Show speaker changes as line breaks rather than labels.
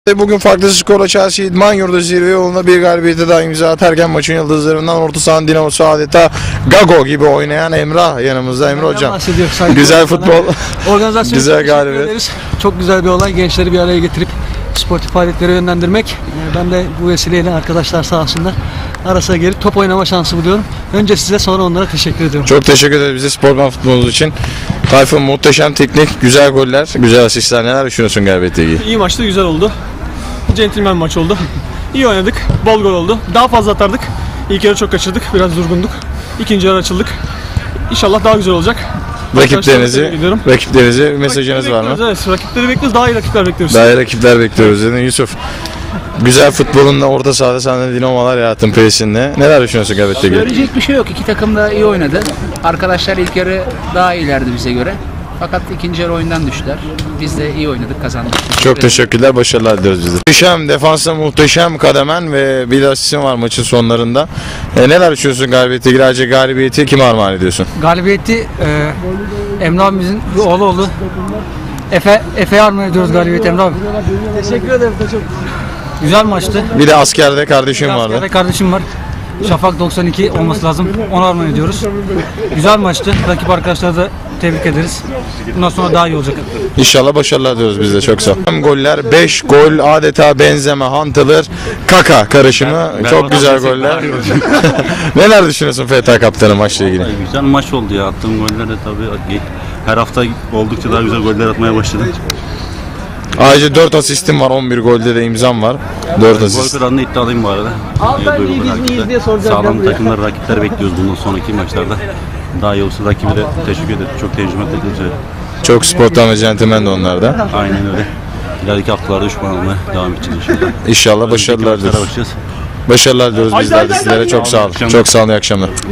Bugün farklı skorla Chelsea İdman Yurdu zirve yoluna bir galibiyete daha imza atarken maçın yıldızlarından orta sahanın dinamosu adeta Gago gibi oynayan Emrah yanımızda. Emre hocam, güzel futbol,
organizasyon
güzel galibiyet.
Çok güzel bir olay, gençleri bir araya getirip sportif faaliyetlere yönlendirmek. Ben de bu vesileyle arkadaşlar sağ olsunlar arasına gelip top oynama şansı buluyorum. Önce size, sonra onlara teşekkür ediyorum.
Çok teşekkür ederiz bize sportman futbolunuz için. Tayfun, muhteşem teknik, güzel goller, güzel asistler. Neler düşünüyorsun galibiyetle ilgili?
İyi maçtı, güzel oldu. Centilmen maç oldu. İyi oynadık, bol gol oldu. Daha fazla atardık. İlk yarı çok kaçırdık, biraz durgunduk. İkinci yarı açıldık. İnşallah daha güzel olacak.
Rakiplerinize mesajınız var mı?
Evet, rakipleri bekliyoruz, daha iyi rakipler bekliyoruz.
Daha iyi rakipler bekliyoruz dedin Yusuf. Güzel futbolunla orta sahada sen de dinamolar yarattın peşinde. Neler düşünüyorsun galibiyetle ilgili?
Söyleyecek bir şey yok. İki takım da iyi oynadı. Arkadaşlar ilk yarı daha iyilerdi bize göre. Fakat ikinci yarı oyundan düştüler. Biz de iyi oynadık, kazandık.
Çok teşekkürler, başarılar diliyoruz biz de. Muhteşem, defansta muhteşem kademen ve bir asistin var maçın sonlarında. Neler düşünüyorsun galibiyetle ilgili? Ayrıca galibiyeti kime armağan ediyorsun?
Galibiyeti Emre abimizin bir oğlu oldu. Efe'ye armağan ediyoruz galibiyeti Emre abi. Teşekkür ederim. Çok güzel maçtı.
Bir de askerde kardeşim vardı.
Askerde kardeşim var. Şafak 92 olması lazım. Onu armağan ediyoruz. Güzel maçtı. Rakip arkadaşları da tebrik ederiz. Bundan sonra daha iyi olacak.
İnşallah başarılar diyoruz biz de, çok sağ ol. Goller, 5 gol adeta Benzema, Huntelaar, Kaka karışımı. Çok güzel goller. Neler düşünüyorsun FTA kaptanı maçla ilgili?
Güzel maç oldu ya. Attığım goller de tabii her hafta oldukça daha güzel goller atmaya başladım.
Ayrıca 4 asistim var, 11 golde de imzam var. 4
Gol
asist.
kralını iddialıyım bu arada. Sağlam takımlar, rakipler bekliyoruz bundan sonraki maçlarda. Daha iyi olsun, rakibi de teşekkür ederim. Çok tecrübe takımcı.
Çok sporttan ve centilmen de onlar da.
Aynen öyle. İleriki haftalarda düşman olmaya devam edeceğiz inşallah.
İnşallah başarılar diliyoruz.
Bakacağız.
Başarılar diliyoruz bizler de sizlere. Çok sağ olun. Çok sağ olun, iyi akşamlar.